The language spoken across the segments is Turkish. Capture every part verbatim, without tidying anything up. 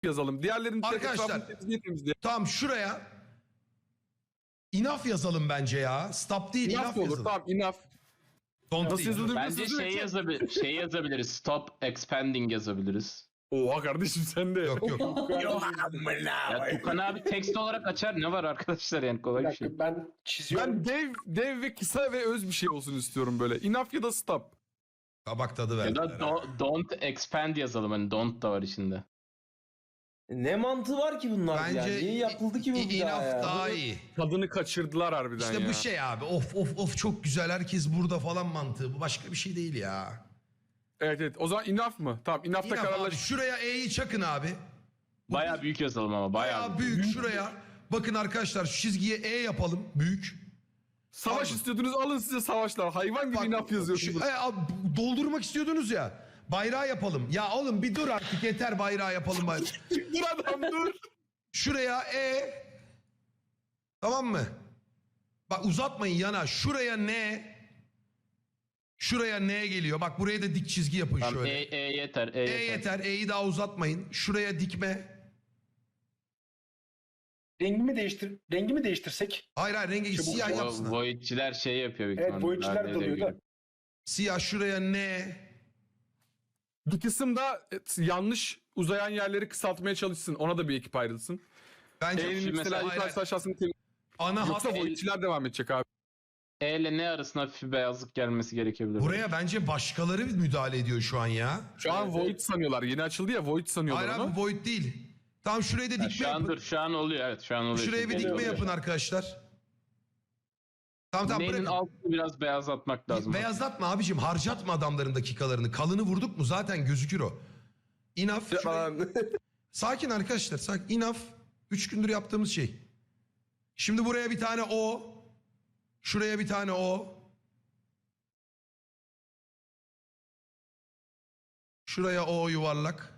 yazalım. Diğerlerini Arkadaşlar tamam şuraya enough yazalım bence ya. Stop değil enough, enough olur. yazalım. Tamam enough. Don't Nasıl değil. yazılır? Bence şey, yazabil şey yazabiliriz. Stop expanding yazabiliriz. Oha kardeşim sen de. Yok yok. Ya Tukan abi tekst olarak açar. Ne var arkadaşlar yani kolay Bir bir şey. dakika ben çiziyorum. Ben dev, dev ve kısa ve öz bir şey olsun istiyorum böyle. Enough ya da stop. Kabak tadı Ya verdiler. da do don't expand yazalım. Hani don't da var içinde. Ne mantığı var ki bunlar Bence ya? Niye yapıldı ki bu i- bir daha enough ya? daha iyi. Tadını kaçırdılar harbiden İşte ya. bu şey abi. Of of of çok güzel herkes burada falan mantığı. Bu başka bir şey değil ya. Evet evet. O zaman enough mı? Tamam enough'ta Enough abi. kararlaş. Şuraya E'yi çakın abi. Bayağı büyük yazalım ama bayağı. Bayağı büyük şuraya. Bakın arkadaşlar şu çizgiye E yapalım. Büyük. Savaş Tamam. istiyordunuz alın size savaşlar. Hayvan gibi Bak, enough yazıyorsunuz. şu- e, abi, doldurmak istiyordunuz ya. Bayrağı yapalım. Ya oğlum bir dur artık yeter bayrağı yapalım. Bayrağı. Dur adam dur. Şuraya E. Tamam mı? Bak uzatmayın yana. Şuraya N. Şuraya N geliyor. Bak buraya da dik çizgi yapın Tamam, şöyle. e, e yeter. E, E yeter. yeter. E'yi daha uzatmayın. Şuraya dikme. Rengimi değiştir rengimi değiştirsek. Hayır hayır rengi Çabuk siyah şu- yapsın. O Void'çiler şey yapıyor büyük Evet ihtimalle. boyutçular Darbe dalıyor ediyor. da. Siyah şuraya N. Bir kısım da et, yanlış uzayan yerleri kısaltmaya çalışsın. Ona da bir ekip ayrılsın. Bence E'nin Şimdi mesela mesela- yukarısı aşağısını tem- ana hat. Yoksa Void'çiler devam edecek abi. E ile ne arasında hafif bir beyazlık gelmesi gerekebilir. Buraya bence başkaları müdahale ediyor şu an ya. Şu an Void sanıyorlar. Yeni açıldı ya Void sanıyorlar Hayır onu. abi Void değil. Tamam şuraya da Ha, dikme şu yapın. an dur, şu an oluyor evet şu an oluyor. Şuraya bir Şimdi dikme oluyor. yapın arkadaşlar. Tamam tamam Neyin bırakın. altını biraz beyazlatmak lazım. Beyazlatma abicim harcatma adamların dakikalarını. Kalını vurduk mu zaten gözükür o. Enough. şuraya- Sakin arkadaşlar sakin. Enough. Üç gündür yaptığımız şey. Şimdi buraya bir tane O. Şuraya bir tane O. Şuraya O yuvarlak.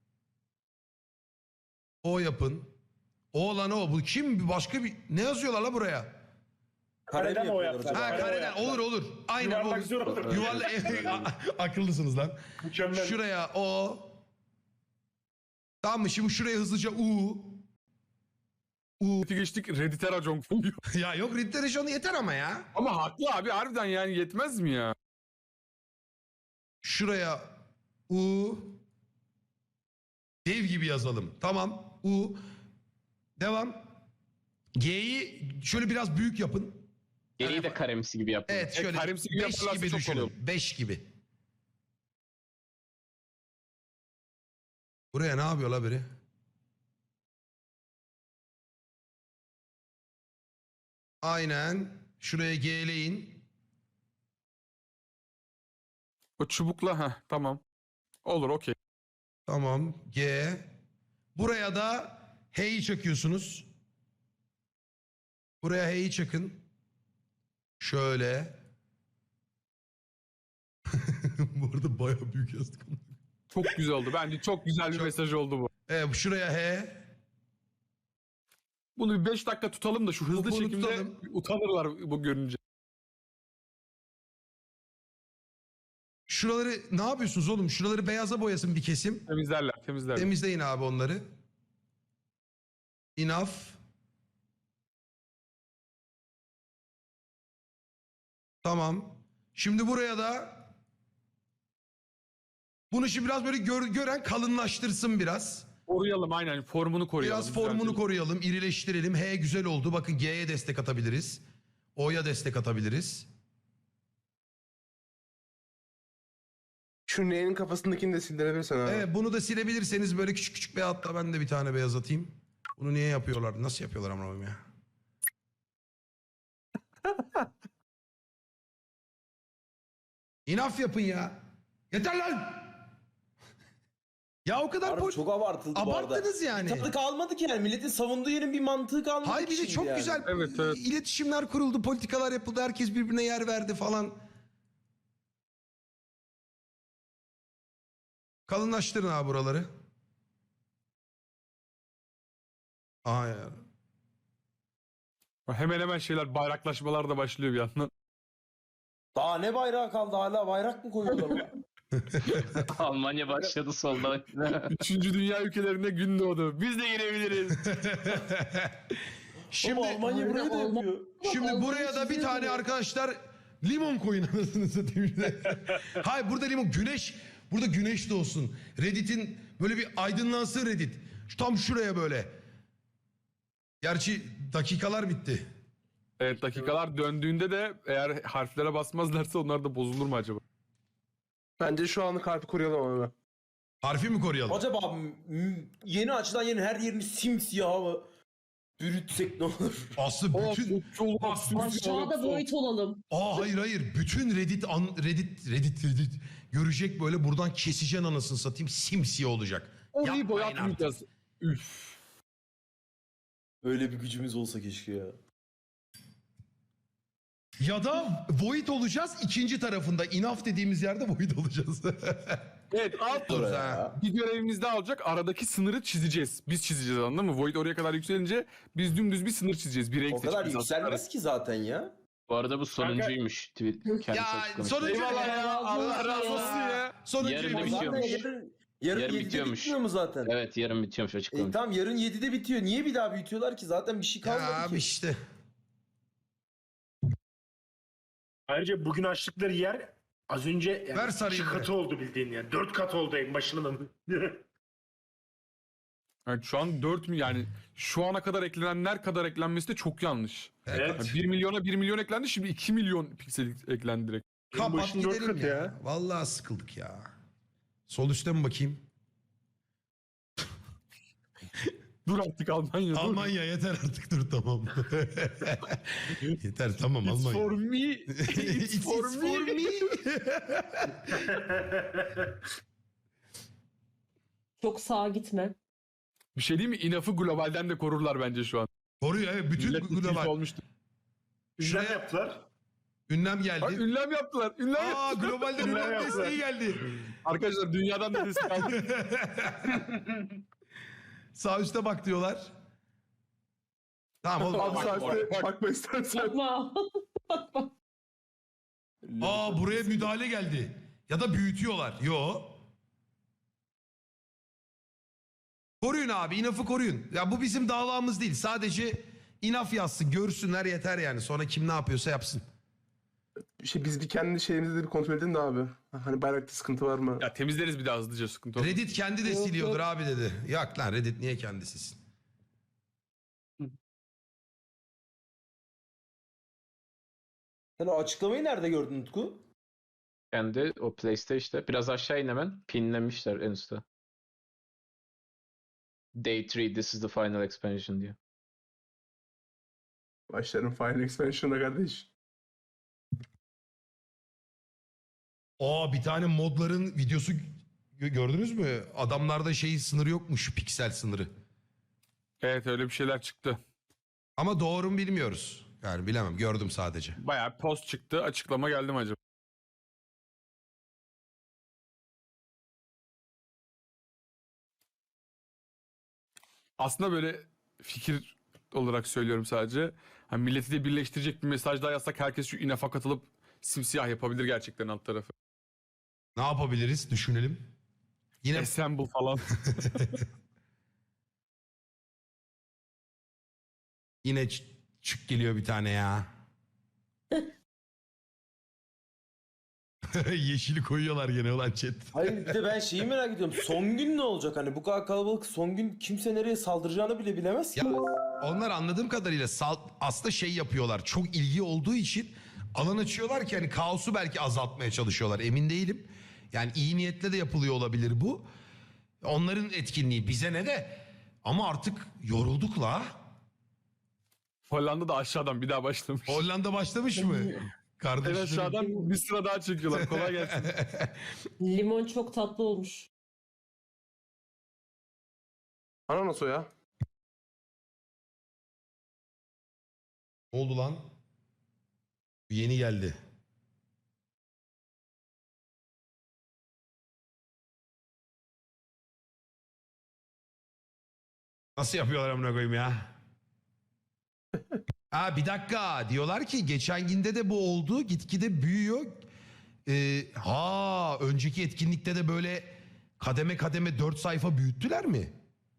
O yapın. O lan o. Bu kim? Başka bir... Ne yazıyorlar la buraya? Kare mi Kareden o yapıyorlar yaptılar. acaba? Ha Kare kareden. yaptılar. Olur olur. Aynen Yuvarlak olur. zor olur. Yuvarlak. Akıllısınız lan. Mükemmel. Şuraya O. Tamam mı? Şimdi şuraya hızlıca U. U. Kötü geçtik Reddit'e racon koyuyor. Ya yok Ritterishon'u yeter ama ya. Ama haklı abi harbiden yani yetmez mi ya? Şuraya U. Dev gibi yazalım. Tamam. U. Devam. G'yi şöyle biraz büyük yapın. Geriyi de karemsi gibi yapalım. Evet E, şöyle karimsi gibi beş yaparlarsa gibi çok düşünün. olur. beş gibi. Buraya ne yapıyor la biri? Aynen. Şuraya G'leyin. O çubukla ha tamam. Olur okey. Tamam. G. Buraya da H'yi çakıyorsunuz. Buraya H'yi çakın. Şöyle. Bu arada bayağı büyük yazdık. Çok güzel oldu. Bence çok güzel bir Çok- mesaj oldu bu. Evet şuraya H. Bunu bir beş dakika tutalım da şu hızlı Bunu çekimde tutalım. utanırlar bu görünce. Şuraları ne yapıyorsunuz oğlum? Şuraları beyaza boyasın bir kesim. Temizlerler temizlerler. Temizleyin abi onları. Enough. Tamam. Şimdi buraya da bunu şimdi biraz böyle gör- gören kalınlaştırsın biraz. Koruyalım aynen formunu koruyalım. Biraz formunu düzeltelim. koruyalım, irileştirelim. H güzel oldu. Bakın G'ye destek atabiliriz. O'ya destek atabiliriz. Şu neyin kafasındakini de sildirebilirsen abi. Evet bunu da silebilirseniz böyle küçük küçük beyaz hatta ben de bir tane beyaz atayım. Bunu niye yapıyorlar? Nasıl yapıyorlar amına koyayım ya? İnaf yapın ya. Yeter lan. Ya o kadar Harbi pol- çok abartıldı bu arada. abarttınız yani. Tadı kalmadı ki yani. Milletin savunduğu yerin bir mantığı kalmadı Hayır ki bir de şimdi çok yani. güzel Evet, evet. iletişimler kuruldu, politikalar yapıldı, herkes birbirine yer verdi falan. Kalınlaştırın abi buraları. Aa ya. Hemen hemen şeyler bayraklaşmalar da başlıyor bir yandan. Daha ne bayrağı kaldı hala bayrak mı koyuyorlar? Almanya başladı solda. Üçüncü dünya ülkelerinde gün doğdu. Biz de girebiliriz. Şimdi Ama Almanya burayı da Alman- yapıyor. şimdi Alman buraya da bir çiziyor tane bunu. arkadaşlar limon koyun anasını satayım. Hayır burada limon güneş burada güneş doğsun. Reddit'in böyle bir aydınlansın Reddit. Şu tam şuraya böyle. Gerçi dakikalar bitti. Evet, dakikalar döndüğünde de eğer harflere basmazlarsa onlar da bozulur mu acaba? Bence şu anlık harfi koruyalım abi. Harfi mi koruyalım? Acaba m- yeni açılan yerin her yerini simsiyah mı bürütsek ne olur? Aslı bütün... Aşağıda boyut olalım. Aa hayır hayır. Bütün Reddit, an, Reddit, Reddit, Reddit görecek böyle buradan keseceksin anasını satayım. Simsiyah olacak. Orayı Yapmayın boyatmayacağız. Üf. Öyle bir gücümüz olsa keşke ya. Ya da Void olacağız ikinci tarafında. Enough dediğimiz yerde Void olacağız. Evet, alt Dur ha. bir görevimiz daha olacak. Aradaki sınırı çizeceğiz. Biz çizeceğiz, anladın mı? Void oraya kadar yükselince biz dümdüz bir sınır çizeceğiz. Bir renk O kadar seçeceğiz aslında. yükselmez ki zaten ya. Bu arada bu sonuncuymuş. Tweet kendisi Ya açıklamış. sonuncu Eyvallah ya. Allah razı olsun ya. Sonuncu Yarın da bir- bitiyor. Zaten Bitiyormuş. yarın, yarın, Yarın yedide bitiyormuş. bitmiyor mu zaten? Evet, yarın bitiyormuş E, açıklamış. tamam yarın yedide bitiyor. Niye bir daha büyütüyorlar ki? Zaten bir şey kalmadı Ya abi ki. işte. Ayrıca bugün açtıkları yer az önce Ver yani sarayım iki be. katı oldu bildiğin yani. Dört kat oldu en başının. Evet, şu an dört mi yani şu ana kadar eklenenler kadar eklenmesi de çok yanlış. Evet. Yani bir milyona bir milyon eklendi, şimdi iki milyon piksel eklendi direkt. En Kapat başın dört gidelim katı ya. ya. Vallahi sıkıldık ya. Sol üstte mi bakayım? Dur artık Almanya dur. Almanya yeter artık dur tamam. yeter tamam It's Almanya. for me. It's, It's for, for me. me. Çok sağa gitme. Bir şey değil mi? İnaf'ı globalden de korurlar bence şu an. Koruyor evet bütün Millet global. tilt olmuştu. Ünlem Şuraya yaptılar. ünlem Bak, geldi. ünlem yaptılar. Ünlem Aa yaptılar. globalden Ünlem ünlem yaptılar. desteği geldi. Arkadaşlar dünyadan da destek aldık. Sağ üstte bak diyorlar. Tamam oğlum. Abi bak, sen bak. işte bakma istersen. Bakma. Bakma. Aa buraya müdahale geldi. Ya da büyütüyorlar. Yo. Koruyun abi. Inaf'ı koruyun. Ya bu bizim davamız değil. Sadece Inaf yazsın. Görsünler yeter yani. Sonra kim ne yapıyorsa yapsın. İşte biz bir kendi şeyimizi de bir kontrol edelim de abi. Hani bayrakta sıkıntı var mı? Ya temizleriz bir daha hızlıca, sıkıntı olmaz. Reddit kendi de Yok, siliyordur yok. abi dedi. Yok lan Reddit niye kendi silsin? Sen o açıklamayı nerede gördün Utku? Kendi o PlayStation'da biraz aşağı in hemen. Pinlemişler en üstte. Day three, this is the final expansion diyor. Başlarım Final Expansion'a kardeş. Aa bir tane modların videosu gö- gördünüz mü? Adamlarda şey sınırı yokmuş. Piksel sınırı. Evet, öyle bir şeyler çıktı. Ama doğru mu bilmiyoruz. Yani bilemem. Gördüm sadece. Bayağı post çıktı. Açıklama geldi mi acaba? Aslında böyle fikir olarak söylüyorum sadece. Hani milleti de birleştirecek bir mesaj daha yazsak herkes şu inafa katılıp simsiyah yapabilir gerçekten alt tarafı. Ne yapabiliriz? Düşünelim. Yine Assemble falan. yine ç- çık geliyor bir tane ya. Yeşili koyuyorlar gene olan chat. Hayır bir de ben şeyi merak ediyorum. Son gün ne olacak? Hani bu kadar kalabalık son gün kimse nereye saldıracağını bile bilemez ki. Ya onlar anladığım kadarıyla sal- aslında şey yapıyorlar. Çok ilgi olduğu için alan açıyorlar ki hani kaosu belki azaltmaya çalışıyorlar. Emin değilim. Yani iyi niyetle de yapılıyor olabilir bu. Onların etkinliği bize ne de. Ama artık yorulduk la. Hollanda da aşağıdan bir daha başlamış. Hollanda başlamış mı? En Kardeşlerim. aşağıdan bir sıra daha çekiyorlar. Kolay gelsin. Limon çok tatlı olmuş. Ananas o ya. Ne oldu lan? Yeni geldi. Nasıl yapıyorlar amına koyayım ya? Ha bir dakika diyorlar ki geçen günde de bu oldu gitgide büyüyor. e, ha önceki etkinlikte de böyle kademe kademe dört sayfa büyüttüler mi?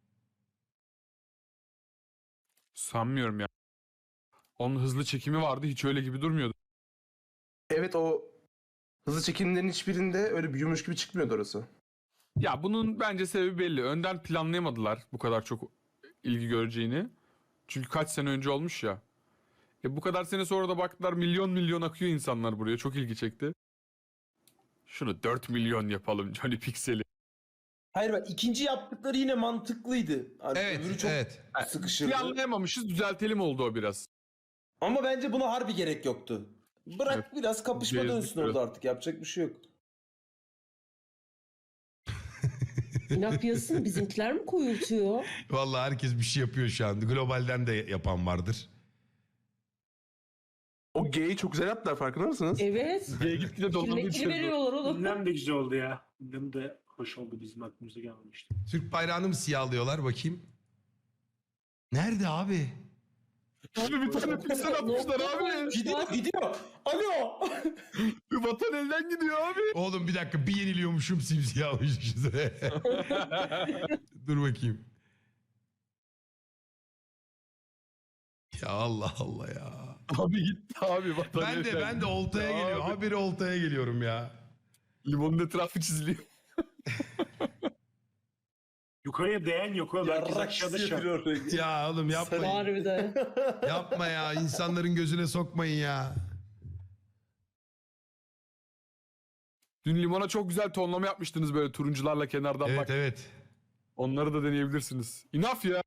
Sanmıyorum ya. Onun hızlı çekimi vardı, hiç öyle gibi durmuyordu. Evet, o hızlı çekimlerin hiçbirinde öyle büyümüş gibi çıkmıyordu orası. Ya bunun bence sebebi belli. Önden planlayamadılar bu kadar çok ilgi göreceğini. Çünkü kaç sene önce olmuş ya. E bu kadar sene sonra da baktılar, milyon milyon akıyor insanlar buraya. Çok ilgi çekti. Şunu dört milyon yapalım Johnny Pixel'i. Hayır bak, ikinci yaptıkları yine mantıklıydı. Hani Evet, öbürü çok evet. sıkışırdı. Planlayamamışız, düzeltelim oldu o biraz. Ama bence buna harbi gerek yoktu. Bırak Evet. biraz kapışma Gezdik dönsün biraz. orada artık. Yapacak bir şey yok. İnap yazısını bizimkiler mi koyultuyor? Vallahi herkes bir şey yapıyor şu an. Globalden de yapan vardır. O G'yi çok güzel yaptılar, farkında mısınız? Evet. G'ye gitgide dolanıyor. Kimlikini veriyorlar oğlum. Ünlem de güzel oldu ya. Ünlem de hoş oldu, bizim aklımıza gelmemişti. Türk bayrağını mı siyahlıyorlar bakayım? Nerede abi? Abi bir tane piksel atmışlar Nokta abi. koymuşlar. Gidiyor gidiyor. Alo. Vatan elden gidiyor abi. Oğlum bir dakika, bir yeniliyormuşum simsiyah olmuşuz. Dur bakayım. Ya Allah Allah ya. Abi gitti abi vatan Ben de elden ben de gitti oltaya abi. geliyorum. Habire oltaya geliyorum ya. Limonun etrafı çiziliyor. Yukarıya değen yok oğlum. Herkes Yarrak aşağıda şu an. hissediyor orayı. Ya oğlum yapmayın. Harbiden. Yapma ya. İnsanların gözüne sokmayın ya. Dün limona çok güzel tonlama yapmıştınız böyle turuncularla kenardan Evet bak. evet. Onları da deneyebilirsiniz. Enough ya.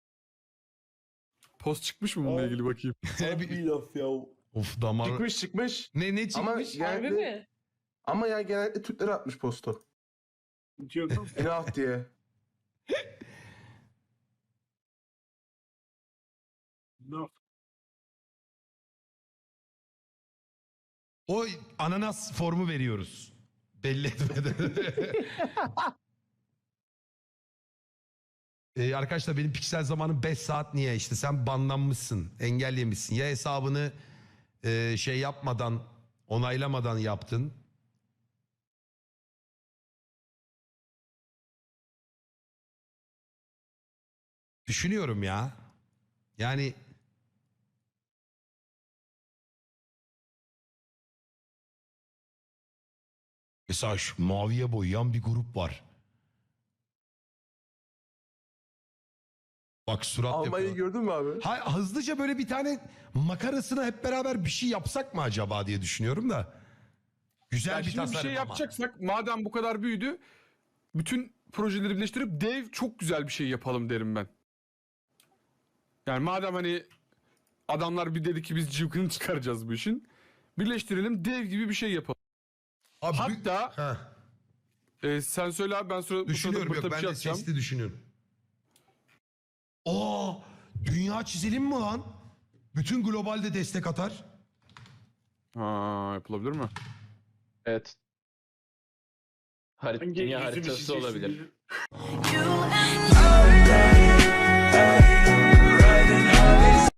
Post çıkmış mı bununla Abi. ilgili bakayım. Harbi iyi laf ya. Of damar. Çıkmış çıkmış. Ne ne Ama çıkmış? Harbi genellikle, mi? ama ya genellikle Türkleri atmış postu. Yok oğlum. Enough diye. No. O ananas formu veriyoruz. Belli etmeden. Ee, arkadaşlar benim piksel zamanım beş saat niye? İşte sen banlanmışsın, engellemişsin. Ya hesabını e, şey yapmadan, onaylamadan yaptın. Düşünüyorum ya. Yani mesela şu maviye boyayan bir grup var. Bak surat Almanya'yı yapıyor. gördün mü abi? Ha, hızlıca böyle bir tane makarasına hep beraber bir şey yapsak mı acaba diye düşünüyorum da. Güzel Ya bir şimdi tasarım bir şey ama. yapacaksak madem bu kadar büyüdü, bütün projeleri birleştirip dev çok güzel bir şey yapalım derim ben. Yani madem hani adamlar bir dedi ki biz cıvkını çıkaracağız bu işin. Birleştirelim, dev gibi bir şey yapalım. Abi, Hatta ha, e, sen söyle abi, ben sonra bu sırada düşünüyorum burada yok bir ben şey de atacağım. sesli düşünüyorum. Aa, dünya çizelim mi lan? Bütün globalde destek atar. Ha, yapılabilir mi? Evet. Harit Hangi dünya yüzümü haritası çizeceksin olabilir. diye. You and I.